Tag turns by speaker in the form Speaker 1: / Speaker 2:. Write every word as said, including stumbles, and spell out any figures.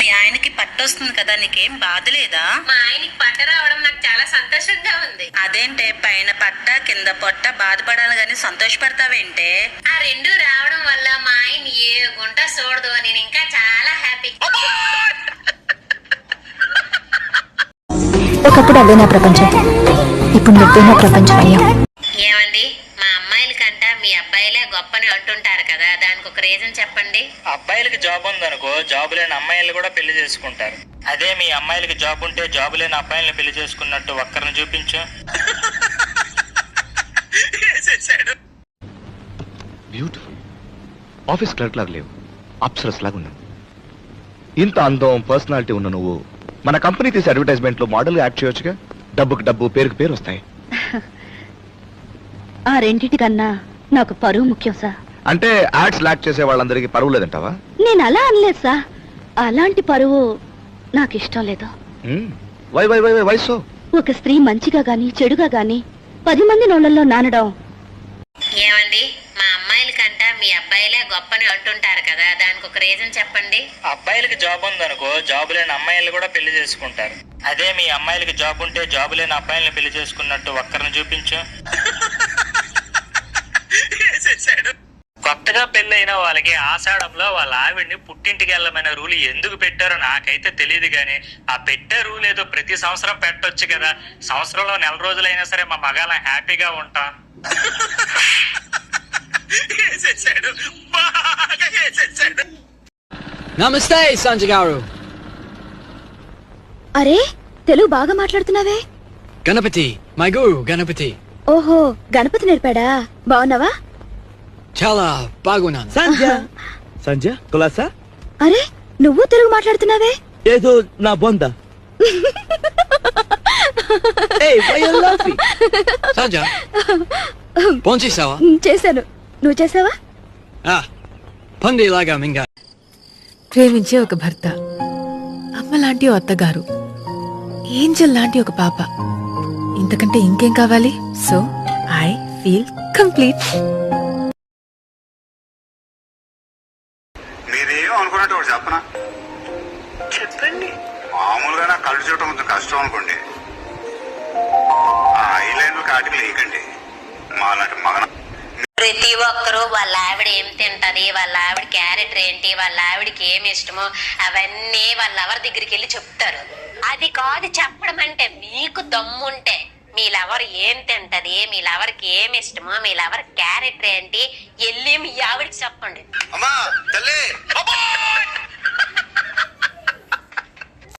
Speaker 1: మీ ఆయనకి పట్టొస్తుంది కదా, నీకేం బాధ లేదా?
Speaker 2: మా ఆయనకి పట్ట రావడం నాకు చాలా సంతోషంగా ఉంది.
Speaker 1: అదేంటే పైన పట్ట కింద పొట్ట బాధపడాలి గాని సంతోషపడతావేంటే?
Speaker 2: ఆ రెండు రావడం వల్ల మా ఆయన ఏ గుంట చూడదు. నేను ఇంకా చాలా హ్యాపీ.
Speaker 3: ఒకప్పుడు అదే నా ప్రపంచం, ఇప్పుడు నువ్వే నా ప్రపంచం అయ్యా.
Speaker 2: ఏమండి, మా అమ్మాయిల కంట మీ అబ్బాయిలే గొప్పని అంటుంటారు కదా, దానికి ఒక రీజన్ చెప్పండి.
Speaker 4: అబ్బాయిలకి జాబ్ ఉందనుకో, జాబ్ లేని అమ్మాయిలు కూడా పెళ్లి చేసుకుంటారు. అదే మీ అమ్మాయిలకి జాబ్ ఉంటే జాబ్ లేని అబ్బాయిల్ని పెళ్లి చేసుకున్నట్టు ఒక్కరిని చూపించు.
Speaker 5: బ్యూటిఫుల్. ఆఫీస్ క్లర్క్ లాగా లేవు, అప్సరస్ లాగా ఉన్నావు. ఇంత అందం పర్సనాలిటీ ఉన్న నువ్వు మన కంపెనీ తీసే అడ్వర్టైజ్మెంట్ లో మోడల్ యాక్ట్ చేయొచ్చుగా. డబ్బుకి డబ్బు, పేరుకి పేరు వస్తాయి.
Speaker 3: ఆ రెండింటి కన్నా నాకు పరువు ముఖ్యం సార్.
Speaker 5: అంటే యాడ్స్ లాక్ చేసే వాళ్ళందరికీ పరువు లేదంటావా?
Speaker 3: నేను అలా అనలేదు సార్, అలాంటి పరువు నాకు ఇష్టం లేదు.
Speaker 5: Why why why why why so?
Speaker 3: ఒక స్త్రీ మంచిగా గాని చెడుగా గాని పది మంది నోళ్ళల్లో నానడం.
Speaker 2: ఏమండి, మా అమ్మాయిల కంట మీ అబ్బాయిలే గొప్పని అంటుంటారు కదా, దానికి ఒక రీజన్ చెప్పండి.
Speaker 4: అబ్బాయిలకి జాబ్ ఉందనుకో, జాబ్ లేని అమ్మాయిలు కూడా పెళ్లి చేసుకుంటారు. అదే మీ అమ్మాయిలకి జాబ్ ఉంటే జాబ్ లేని అబ్బాయిల్ని పెళ్లి చేసుకున్నట్టు ఒక్కరిని చూపించు. కొత్తగా పెళ్ళైన వాళ్ళకి ఆషాఢంలో వాళ్ళ ఆవిడ్ని పుట్టింటికి వెళ్ళమనే రూల్ ఎందుకు పెట్టారో నాకైతే తెలియదు, కానీ ఆ పెట్టే రూల్ ఏదో ప్రతి సంవత్సరం పెట్టొచ్చు కదా. సంవత్సరంలో నెల రోజులైనా సరే మా మగాళ్ళం హ్యాపీగా ఉంటాం.
Speaker 6: నమస్తే సంజయ్ గారు.
Speaker 3: అరే, తెలుగు బాగా మాట్లాడుతున్నావే.
Speaker 6: గణపతి, మై గురు గణపతి.
Speaker 3: ఓహో, గణపతి నేర్పాడా? బాగున్నావా?
Speaker 6: చాలా బాగున్నాను.
Speaker 7: సంజ సంజ కులాసా?
Speaker 3: అరే, నువ్వు తెలుగు మాట్లాడుతున్నావే.
Speaker 7: ఏదో నా బొంద. ఏయ్, why you laughing?
Speaker 6: Sanjay, phone చేసావా?
Speaker 3: చేశాను, నువ్వు చేసావా?
Speaker 6: పందిలాగా మింగా.
Speaker 8: ప్రేమించే ఒక భర్త, అమ్మ లాంటి ఓ అత్తగారు, ఏంజల్ లాంటి ఒక పాప, ఇంతకంటే ఇంకేం కావాలి? So I feel complete.
Speaker 9: మీరేం అనుకున్నట్టు ఒకటి చెప్పనా? చెప్పండి. మామూలుగా నా కళ్ళు చూడటం కొంచెం కష్టం అనుకోండి, ఆ ఐలైన్ కాటికి లేకండి. మా లాంటి మగన
Speaker 2: ప్రతి ఒక్కరూ వాళ్ళ ఆవిడ ఏం తింటది, వాళ్ళ ఆవిడ క్యారెక్టర్ ఏంటి, వాళ్ళ ఆవిడకి ఏమి ఇష్టమో అవన్నీ వాళ్ళ ఎవరి దగ్గరికి వెళ్ళి చెప్తారు. అది కాదు చెప్పడం అంటే. మీకు దమ్ముంటే మీ లవర్ ఏం తింటది, మీ లవర్కి ఏమి ఇష్టమో, మీ లవర్ క్యారెక్టర్ ఏంటి, వెళ్ళి మీ ఆవిడకి చెప్పండి.
Speaker 9: అమ్మా తల్లి